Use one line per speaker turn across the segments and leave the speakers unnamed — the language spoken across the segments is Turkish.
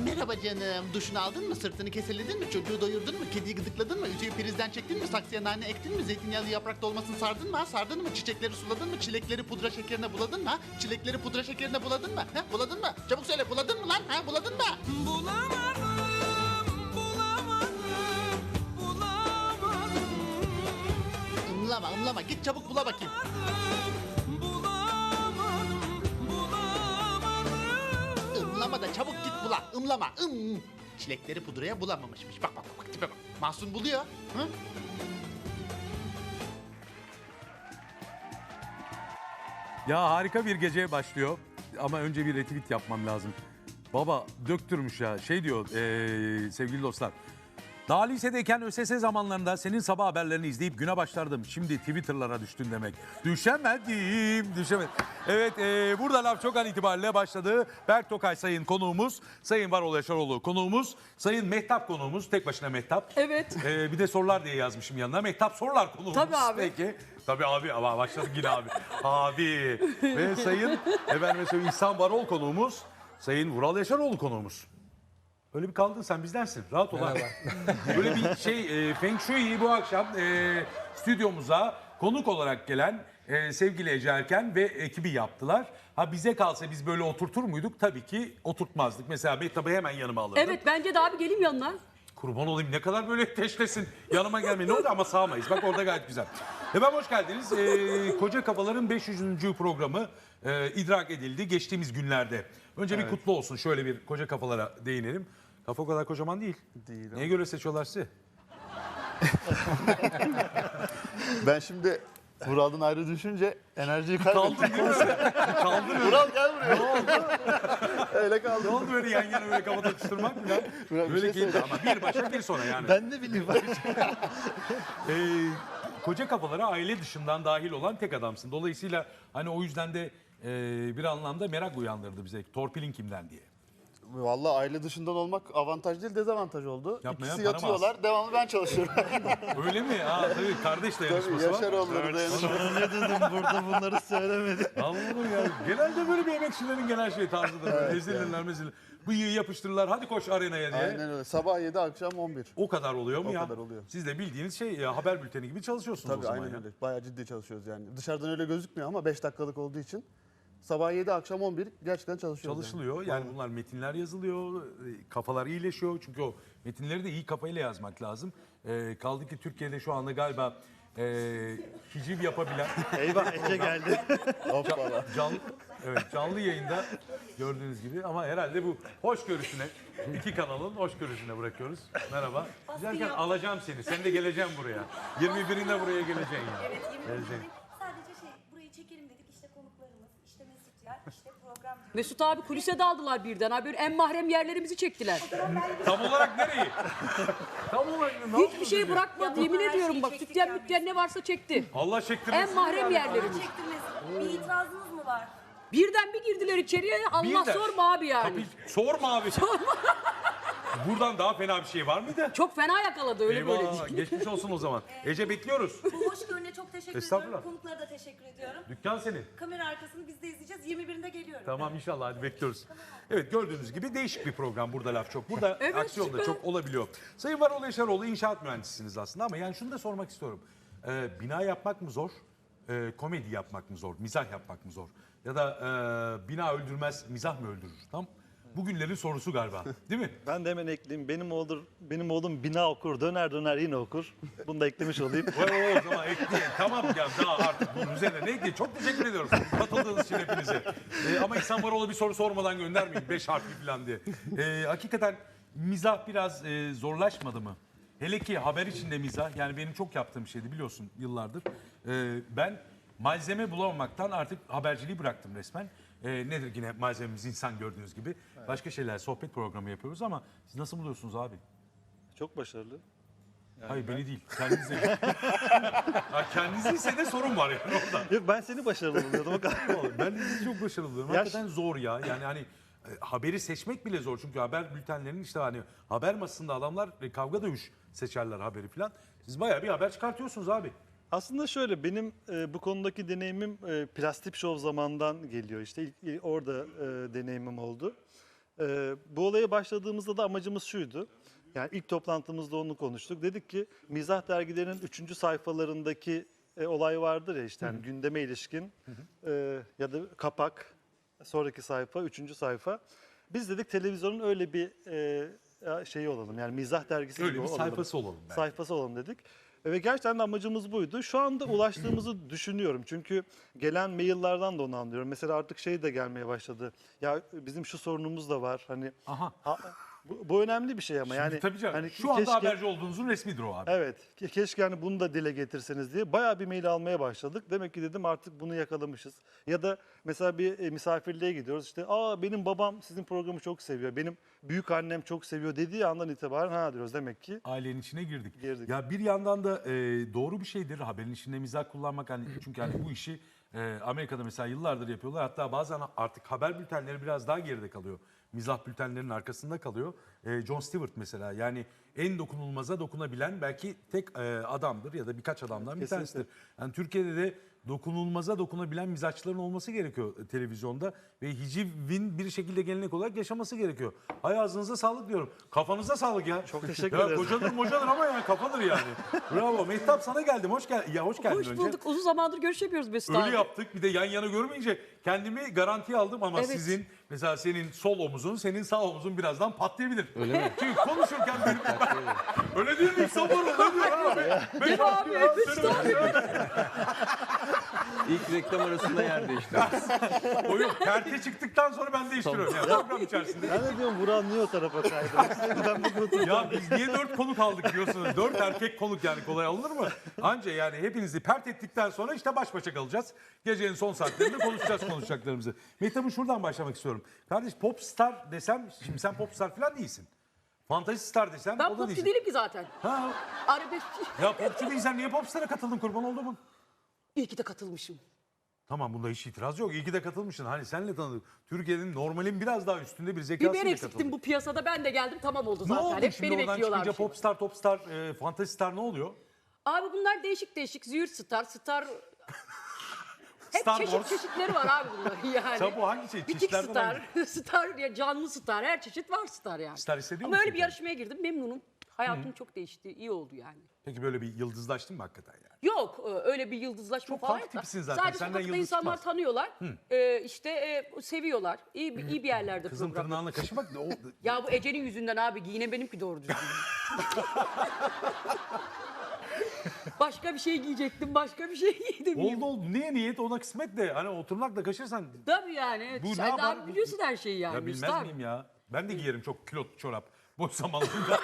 Merhaba canım. Duşunu aldın mı? Sırtını keseledin mi? Çocuğu doyurdun mu? Kediyi gıdıkladın mı? Ütüyü prizden çektin mi? Saksıya nane ektin mi? Zeytinyağlı yaprak dolmasını sardın mı? Ha? Sardın mı? Çiçekleri suladın mı? Çilekleri pudra şekerine buladın mı? Ha? Çilekleri pudra şekerine buladın mı? Ha? Buladın mı? Çabuk söyle, buladın mı lan? Ha? Buladın mı? Imlama. Git çabuk bula bakayım. Imlama da çabuk git bula. Imlama. Çilekleri pudraya bulamamışmış. Bak tipe bak. Mahsun buluyor. Hı?
Ya harika bir gece başlıyor ama önce bir retweet yapmam lazım. Baba döktürmüş ya şey diyor sevgili dostlar. Daha lisedeyken ÖSS zamanlarında senin sabah haberlerini izleyip güne başlardım. Şimdi Twitter'lara düştün demek. Düşemedim. Evet burada laf çok an itibariyle başladı. Berk Tokay sayın konuğumuz. Sayın Varol Yaşaroğlu konuğumuz. Sayın Mehtap konuğumuz. Tek başına Mehtap.
Evet.
Bir de sorular diye yazmışım yanına. Mehtap sorular konuğumuz.
Tabii abi.
Peki. Tabii abi ama başladık yine abi. Abi. Ve sayın İhsan Varol konuğumuz. Sayın Vural Yaşaroğlu konuğumuz. Öyle bir kaldın sen bizdensin. Rahat ol abi. Böyle bir Feng Shui'yi bu akşam stüdyomuza konuk olarak gelen sevgili Ece Erken ve ekibi yaptılar. Ha bize kalsa biz böyle oturtur muyduk? Tabii ki oturtmazdık. Mesela Mehtap'ı hemen yanıma alırdım.
Evet bence de abi geleyim yanına.
Kurban olayım ne kadar böyle teşlesin. Yanıma gelmeyin. Ne oldu ama sağmayız. Bak orada gayet güzel. Efendim hoş geldiniz. Koca Kafaların 500. programı idrak edildi geçtiğimiz günlerde. Önce bir kutlu olsun. Şöyle bir Koca Kafalara değinelim. Kafa o kadar kocaman değil.
Değil.
Neye göre seçiyorlar sizi?
Ben şimdi Vural'dan ayrı düşünce enerjiyi kaybettim.
Kaldın değil mi? Kaldın öyle.
Vural gel buraya. Ne oldu? Öyle
Ne
kaldım.
oldu böyle yan yana böyle kafa takıştırmak mı lan?
Vural, bir
Böyle
şey
keyifli
söyleyeceğim.
ama bir başa bir sona yani.
Ben ne bileyim.
Koca Kafalara aile dışından dahil olan tek adamsın. Dolayısıyla hani o yüzden de bir anlamda merak uyandırdı bize. Torpilin kimden diye.
Vallahi aile dışından olmak avantaj değil dezavantaj oldu.
Yapma ya,
İkisi
para mı
yatıyorlar. Devamlı ben çalışıyorum.
Öyle mi? Tabii kardeş
Tabii
dayanışması var.
Yaşaroğulları dayanışma.
Ne dedim burada bunları söylemedim.
Anladın ya. Genelde böyle bir emekçilerin genel tarzıdır. Böyle ezilirler mezilir. Bıyığı yapıştırırlar. Hadi koş arenaya diye.
Aynen öyle. Sabah 7 akşam 11.
O kadar oluyor mu
O
ya?
kadar oluyor.
Siz de bildiğiniz haber bülteni gibi çalışıyorsunuz o
Tabii
zaman
aynen
ya.
öyle. Bayağı ciddi çalışıyoruz yani. Dışarıdan öyle gözükmüyor ama 5 dakikalık olduğu için. Sabah 7 akşam 11 gerçekten çalışıyoruz.
Çalışılıyor. Yani bunlar metinler yazılıyor. Kafalar iyileşiyor. Çünkü o metinleri de iyi kafayla yazmak lazım. Kaldı ki Türkiye'de şu anda galiba hiciv yapabilen
Eyvah Ece geldi.
Hoppala.
canlı yayında gördüğünüz gibi ama herhalde bu hoşgörüsüne iki kanalın hoşgörüsüne bırakıyoruz. Merhaba. Güzelken alacağım seni. Sen de geleceğim buraya. 21'inde buraya geleceksin ya.
Evet, 20
Geleceksin.
sadece burayı çekelim dedik. İşte konuklarımız, işte Mesut Yer, işte program diyoruz.
Mesut abi kulise daldılar birden. Abi böyle en mahrem yerlerimizi çektiler.
Tam olarak nereyi? Tam olarak ne
Hiçbir
yaptınız
şey
diye.
bırakmadı.
Ya
Yemin
her
ediyorum
şeyi
bak
çektik
sütyen
ya
mütyen ne varsa çekti.
Allah çektirmesin.
En mahrem yerlerimiz.
Çektiniz. Bir itirazınız mı var?
Birden bir girdiler içeriye. Allah
Birden.
sorma abi yani.
Tabii, sorma abi. Buradan daha fena bir şey var mıydı?
Çok fena yakaladı öyle böyle.
Eyvah, geçmiş olsun o zaman. Ece bekliyoruz.
Bu hoşgörüne çok teşekkür
Estağfurullah.
ediyorum. Konuklara da teşekkür ediyorum.
Dükkan senin.
Kamera arkasını biz de izleyeceğiz. 21'inde geliyorum.
Tamam inşallah hadi bekliyoruz. Evet gördüğünüz gibi değişik bir program. Burada laf çok. Burada
Evet,
aksiyon da
süper.
çok olabiliyor. Sayın Varol Yaşaroğlu inşaat mühendisisiniz aslında ama yani şunu da sormak istiyorum. Bina yapmak mı zor? Komedi yapmak mı zor? Mizah yapmak mı zor? Ya da bina öldürmez, mizah mı öldürür? Tam bugünlerin sorusu galiba. Değil mi?
Ben de hemen ekleyeyim. Benim oğlum bina okur, döner döner yine okur. Bunu da eklemiş olayım.
O zaman ekleyin. Tamam ya daha artık bunun üzerine ne ekleyin? Çok teşekkür ediyorum katıldığınız için hepinize. Ama İhsan Varol'a bir soru sormadan göndermeyin 5 harfli falan diye. Hakikaten mizah biraz zorlaşmadı mı? Hele ki haber içinde mizah yani benim çok yaptığım şeydi biliyorsun yıllardır. Ben malzeme bulamamaktan artık haberciliği bıraktım resmen. Nedir yine malzememiz insan gördüğünüz gibi. Evet. Başka şeyler sohbet programı yapıyoruz ama siz nasıl buluyorsunuz abi?
Çok başarılı.
Hayır beni değil kendinizi. Kendinizi ise de sorun var yani orada.
Yok ben seni başarılı buluyordum. O kadar.
Ben de sizi çok başarılı buluyorum. Hakikaten zor ya. Yani hani haberi seçmek bile zor. Çünkü haber bültenlerinin işte hani haber masasında adamlar kavga dövüş seçerler haberi falan. Siz bayağı bir haber çıkartıyorsunuz abi.
Aslında şöyle benim bu konudaki deneyimim Plastik Show zamandan geliyor işte. İlk orada deneyimim oldu. Bu olaya başladığımızda da amacımız şuydu. Yani ilk toplantımızda onu konuştuk. Dedik ki mizah dergilerinin 3. sayfalarındaki olay vardır ya işte yani gündeme ilişkin ya da kapak, sonraki sayfa, 3. sayfa. Biz dedik televizyonun öyle bir şeyi olalım yani mizah dergisi
Öyle
gibi
bir
olalım.
sayfası olalım belki.
Sayfası olalım dedik. Ve gerçekten de amacımız buydu. Şu anda ulaştığımızı düşünüyorum. Çünkü gelen maillerden de onu anlıyorum. Mesela artık şey de gelmeye başladı. Ya bizim şu sorunumuz da var. Hani
Aha.
bu önemli bir şey ama yani
Tabii canım.
hani
Şu anda
keşke-
haberci olduğunuzun resmidir o abi.
Evet. Keşke hani bunu da dile getirseniz diye bayağı bir mail almaya başladık. Demek ki dedim artık bunu yakalamışız. Ya da mesela bir misafirliğe gidiyoruz. İşte benim babam sizin programı çok seviyor. Benim büyük annem çok seviyor dediği andan itibaren ha diyoruz demek ki.
Ailenin içine girdik.
Girdik.
Ya bir yandan da doğru bir şeydir haberin içinde mizah kullanmak hani çünkü hani bu işi Amerika'da mesela yıllardır yapıyorlar. Hatta bazen artık haber bültenleri biraz daha geride kalıyor. Mizah bültenlerinin arkasında kalıyor. Jon Stewart mesela yani en dokunulmaza dokunabilen belki tek adamdır ya da birkaç adamdan bir
Kesinlikle.
tanesidir. Yani Türkiye'de de dokunulmaza dokunabilen mizahçıların olması gerekiyor televizyonda ve hicivin bir şekilde gelenek olarak yaşaması gerekiyor. Hay ağzınıza sağlık diyorum. Kafanıza sağlık ya.
Çok teşekkür
Ya
ederiz.
kocadır mocadır ama yani kafadır yani. Bravo. Mehtap sana geldim. Hoş geldin. Ya hoş geldin
Hoş
önce.
bulduk. Uzun zamandır görüşemiyoruz Mesut abi.
Öyle yaptık. Bir de yan yana görmeyince kendimi garantiye aldım ama
Evet.
sizin mesela senin sol omuzun, senin sağ omuzun birazdan patlayabilir. Öyle mi? Çünkü konuşurken benim... Öyle değil mi? Sabır öyle diyor abi.
Değil mi abi? Mesut abi.
İlk reklam arasında yer değiştiririz.
O yok. Perte çıktıktan sonra ben değiştiriyorum. Yani program içerisinde.
Ben de diyorum Burak niye o tarafa kaydı? Ben bu grubu
Ya biz niye 4 konuk aldık diyorsunuz? 4 erkek konuk yani kolay alınır mı? Anca yani hepinizi pert ettikten sonra işte baş başa kalacağız. Gecenin son saatlerinde konuşacaklarımızı. Mehtap'ın şuradan başlamak istiyorum. Kardeş popstar desem, şimdi sen popstar falan değilsin. Fantezi star desem
Ben
o da
popçu
değilsin.
değilim ki zaten.
Ha,
Arabesk.
ya popçu değilsen niye popstara katıldın kurban oldu mu?
İyi ki de katılmışım.
Tamam bunda hiç itiraz yok. İyi ki de katılmışsın. Hani senle tanıdık. Türkiye'nin normalin biraz daha üstünde bir
Bir
zekasıyla
ben eksiktim
katıldın.
bu piyasada. Ben de geldim tamam oldu
Ne
zaten.
oldu
Hep
şimdi
beni
oradan
bekliyorlar.
çıkınca popstar, topstar, fantezi star ne oluyor?
Abi bunlar değişik değişik. Züğürt star. Hep
Star
çeşit
Wars.
çeşitleri var abi bunların yani.
Sen bu hangi şey?
Bitik
Çeşitlerden
star,
hangi?
star ya canlı star, her çeşit var star yani.
Star hissediyor
Ama
musun
öyle bir
kendini?
yarışmaya girdim memnunum. Hayatım çok değişti, iyi oldu yani.
Peki böyle bir yıldızlaştın mı hakikaten yani?
Yok öyle bir yıldızlaşma
Çok
falan
farklı
yok da.
tipisin zaten,
Sadece
senden
sokakta
yıldız
insanlar
çıkmaz.
tanıyorlar. Seviyorlar. İyi bir yerlerde
Kızın
program.
tırnağına kaşımak o
Ya bu Ece'nin yüzünden abi giyine benimki doğru düzgün. Başka bir şey giyecektim, başka bir şey giydim.
oldu. Niye niyet ona kısmet de hani o tırnakla kaşırsan
Tabii yani. Evet.
Bu ne
Sen
yapar?
abi biliyorsun her şeyi yani.
ya
Mesut
bilmez
abi.
miyim ya? Ben de giyerim çok kilot çorap boş zamanlarında.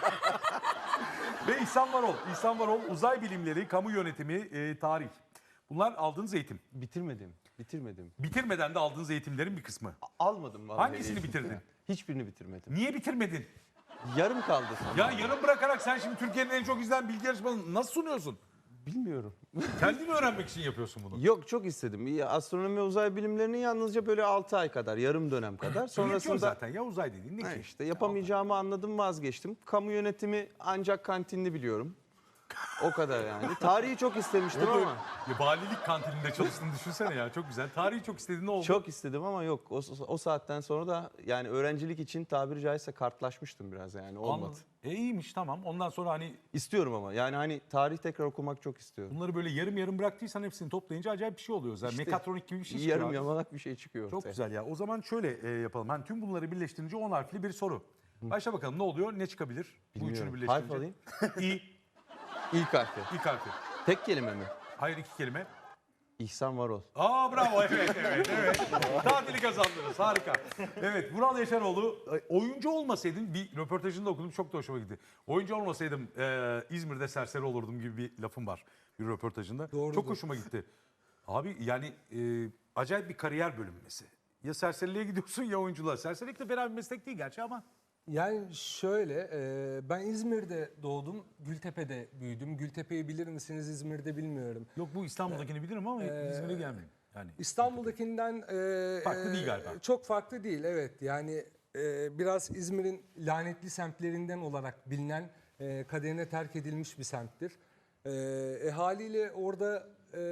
Ve İhsan Varol uzay bilimleri, kamu yönetimi, tarih. Bunlar aldığınız eğitim.
Bitirmedim.
Bitirmeden de aldığınız eğitimlerin bir kısmı.
Almadım vallahi.
Hangisini
eğitim.
bitirdin?
Hiçbirini bitirmedim.
Niye bitirmedin?
Yarım kaldı sanırım.
Ya yarım bırakarak sen şimdi Türkiye'nin en çok izlenen bilgi yarışmasını nasıl sunuyorsun?
Bilmiyorum.
Kendin mi öğrenmek için yapıyorsun bunu?
Yok çok istedim. Astronomi ve uzay bilimlerini yalnızca böyle 6 ay kadar, yarım dönem kadar.
Yetiyor
Sonrasında
zaten ya uzay dediğin ne
ha
ki?
işte yapamayacağımı anladım, vazgeçtim. Kamu yönetimi ancak kantinli biliyorum. O kadar yani. Tarihi çok istemiştim
Orada
ama.
ya, valilik kantininde çalıştığını düşünsene ya çok güzel. Tarihi çok istediğin ne oldu?
Çok istedim ama yok. O saatten sonra da yani öğrencilik için tabiri caizse kartlaşmıştım biraz yani. Olmadı.
Anladım. İyiymiş tamam. Ondan sonra hani
İstiyorum ama yani hani tarih tekrar okumak çok istiyorum.
bunları böyle yarım yarım bıraktıysan hepsini toplayınca acayip bir şey oluyor. Yani
İşte
mekatronik gibi bir şey çıkıyor.
Yarım
abi.
yamalak bir şey çıkıyor
Çok
ortaya.
güzel ya. O zaman şöyle yapalım. Hani tüm bunları birleştirince 10 harfli bir soru. Başla bakalım ne oluyor? Ne çıkabilir? Bu üçünü
Bilmiyorum.
birleştirince.
Harf alayım.
İ.
İlk harfi.
İlk harfi.
Tek kelime mi?
Hayır 2 kelime.
İhsan Varol.
Bravo evet. Tatili kazandınız harika. Evet Vural Yaşaroğlu oyuncu olmasaydın bir röportajında okudum çok da hoşuma gitti. Oyuncu olmasaydım İzmir'de serseri olurdum gibi bir lafım var bir röportajında. Çok hoşuma gitti. Abi yani acayip bir kariyer bölünmesi. Ya serseriliğe gidiyorsun ya oyunculuğa. Serserilik de fena bir meslek değil gerçi ama.
Yani şöyle, ben İzmir'de doğdum, Gültepe'de büyüdüm. Gültepe'yi bilir misiniz İzmir'de bilmiyorum.
Yok bu İstanbul'dakini bilirim ama İzmir'e gelmedim. Yani
İstanbul'dakinden
Farklı değil galiba.
Çok farklı değil, evet. Yani biraz İzmir'in lanetli semtlerinden olarak bilinen, kaderine terk edilmiş bir semttir. Haliyle orada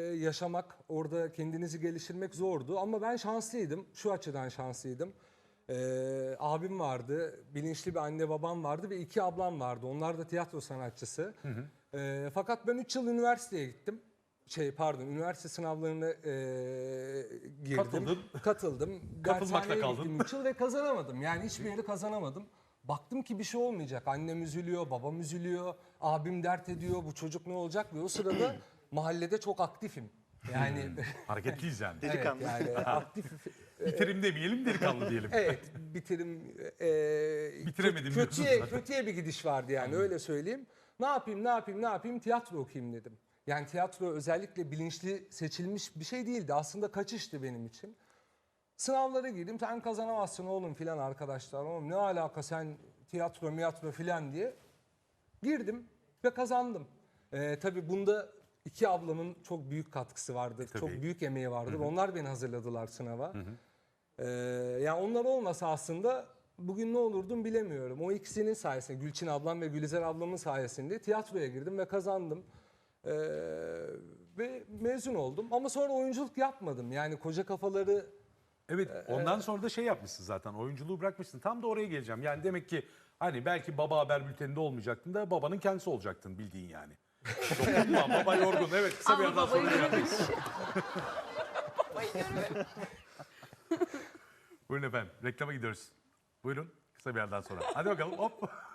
yaşamak, orada kendinizi geliştirmek zordu. Ama ben şanslıydım, şu açıdan şanslıydım. Abim vardı, bilinçli bir anne babam vardı ve 2 ablam vardı. Onlar da tiyatro sanatçısı. Fakat ben 3 yıl üniversiteye gittim. Üniversite sınavlarına girdim.
Katılmakla
Katıldım. Dershaneye
kaldın.
gittim 3 yıl ve kazanamadım. Yani hiçbir yeri kazanamadım. Baktım ki bir şey olmayacak. Annem üzülüyor, babam üzülüyor, abim dert ediyor. Bu çocuk ne olacak? Ve o sırada mahallede çok aktifim. Yani
Hareketliyiz yani.
Delikanlı.
Evet, yani aktif.
Bitirim demeyelim, delikanlı diyelim.
Evet, bitirim.
Bitiremedim diyorsun zaten.
Kötüye bir gidiş vardı yani öyle söyleyeyim. Ne yapayım? Tiyatro okuyayım dedim. Yani tiyatro özellikle bilinçli seçilmiş bir şey değildi. Aslında kaçıştı benim için. Sınavlara girdim. Sen kazanamazsın oğlum filan arkadaşlar. Oğlum ne alaka sen tiyatro filan diye. Girdim ve kazandım. Tabii bunda 2 ablamın çok büyük katkısı vardır.
Tabii.
Çok büyük emeği vardır. Onlar beni hazırladılar sınava. Yani onlar olmasa aslında bugün ne olurdum bilemiyorum. O ikisinin sayesinde, Gülçin ablam ve Gülizar ablamın sayesinde tiyatroya girdim ve kazandım. Ve mezun oldum. Ama sonra oyunculuk yapmadım. Yani koca kafaları...
Evet, ondan sonra da şey yapmışsın zaten, oyunculuğu bırakmışsın. Tam da oraya geleceğim. Yani demek ki hani belki baba haber bülteninde olmayacaktın da babanın kendisi olacaktın bildiğin yani. Dokunma, baba yorgun. Evet, kısa bir
Ama
yerden
babayı
sonra
görmemiş.
Buyurun efendim, reklama gidiyoruz. Buyurun, kısa bir yerden sonra. Hadi bakalım, hop.